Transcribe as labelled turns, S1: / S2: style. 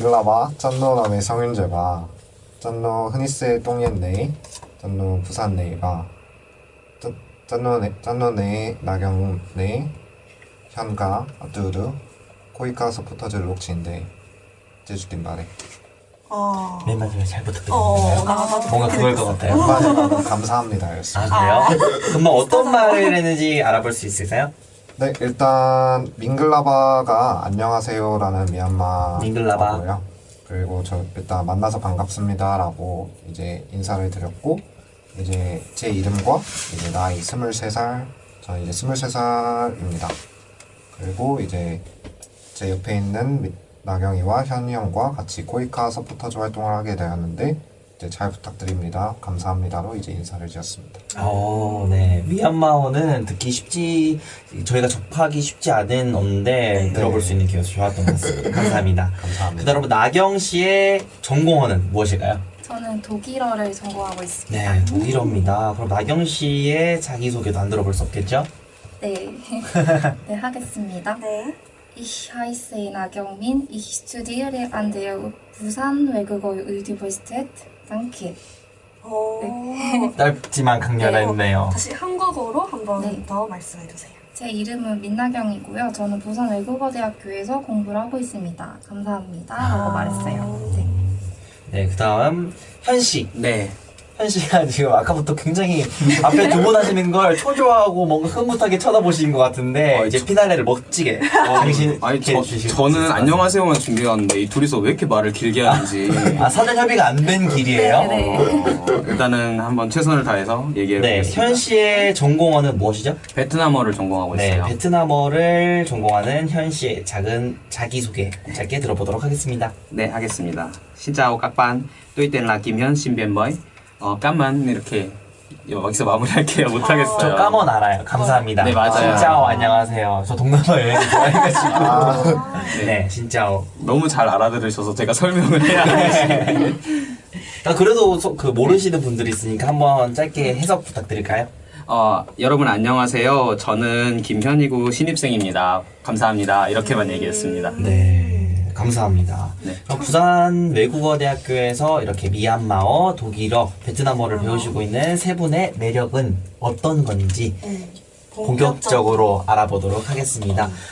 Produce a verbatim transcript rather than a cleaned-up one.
S1: 밍글라바 짠노남의 성윤재바 짠노 흔히스의 똥옌네 짠노 부산네이바 짠노네 짠노네 나경네 현가 아뚜르 코이카 서포터즈 록치인데 제주딘 말에
S2: 어.
S3: 맨 마지막에 잘
S2: 어,
S3: 부탁드립니다.
S2: 나 나도
S3: 뭔가 그걸 것 같아요.
S1: 한마디로 감사합니다 였습니다.
S3: 아 그래요? 그럼 어떤 말을 했는지 알아볼 수 있을까요?
S1: 네, 일단 밍글라바가 안녕하세요라는 미얀마
S3: 밍글라바.
S1: 어고요. 그리고 저 일단 만나서 반갑습니다라고 이제 인사를 드렸고 이제 제 이름과 이제 나이 스물세 살, 저는 이제 스물세 살입니다. 그리고 이제 제 옆에 있는 미- 나경이와 현이 형과 같이 코이카 서포터즈 활동을 하게 되었는데 이제 잘 부탁드립니다. 감사합니다로 이제 인사를 드렸습니다.
S3: 어, 네. 미얀마어는 듣기 쉽지, 저희가 접하기 쉽지 않은 언어인데 들어볼 수 있는 기회가 좋았던 것 같습니다. 감사합니다.
S1: 감사합니다.
S3: 그 다음 나경 씨의 전공어는 무엇일까요?
S4: 저는 독일어를 전공하고 있습니다.
S3: 네, 독일어입니다. 그럼 나경 씨의 자기소개도 안 들어볼 수 없겠죠?
S4: 네, 네 하겠습니다.
S2: 네.
S4: Ich heiße 나경민. Ich studiere an der 부산 외국어 Universität. Danke.
S2: 어.
S3: 짧지만 강렬했네요.
S2: 다시 한국어로 한 번
S4: 네.
S2: 더 말씀해 주세요.
S4: 제 이름은 민나경이고요. 저는 부산 외국어대학교에서 공부를 하고 있습니다. 감사합니다. 라고
S3: 아.
S4: 말했어요. 네.
S3: 네, 그 다음 현 씨.
S5: 네.
S3: 현 씨가 지금 아까부터 굉장히 앞에 두 분 하시는 걸 초조하고 뭔가 흐뭇하게 쳐다보신 것 같은데
S5: 어,
S3: 이제
S5: 저-
S3: 피날레를 멋지게 당신
S5: 아니 저, 저는 안녕하세요만 준비해왔는데 이 둘이서 왜 이렇게 말을 길게 하는지
S3: 아 사전 협의가 안 된 길이에요?
S4: 네, 네.
S5: 어, 일단은 한번 최선을 다해서 얘기해
S3: 네,
S5: 보겠습니다.
S3: 현 씨의 전공어는 무엇이죠?
S5: 베트남어를 전공하고
S3: 네,
S5: 있어요.
S3: 베트남어를 전공하는 현 씨의 작은 자기소개 짧게 들어보도록 하겠습니다.
S5: 네, 하겠습니다. Xin chào các bạn. Tôi tên là Kim Hyun, sinh viên mới. 어, 까만 이렇게 여기서 마무리할게요. 못하겠어요.
S3: 저 까먼 알아요. 감사합니다.
S5: 네, 맞아요.
S3: 진짜오 안녕하세요. 저 동남아 여행 좋아해가지고.
S1: 아,
S3: 네, 진짜오.
S5: 너무 잘 알아들으셔서 제가 설명을 해야 하지.
S3: 아, 그래도 소- 그 모르시는 분들이 있으니까 한번 짧게 해석 부탁드릴까요?
S5: 어, 여러분 안녕하세요. 저는 김현이고 신입생입니다. 감사합니다. 이렇게만 얘기했습니다.
S3: 네, 감사합니다.
S5: 네.
S3: 그럼 부산 외국어대학교에서 이렇게 미얀마어, 독일어, 베트남어를 배우시고 있는 세 분의 매력은 어떤 건지
S2: 네.
S3: 본격적으로 알아보도록 하겠습니다.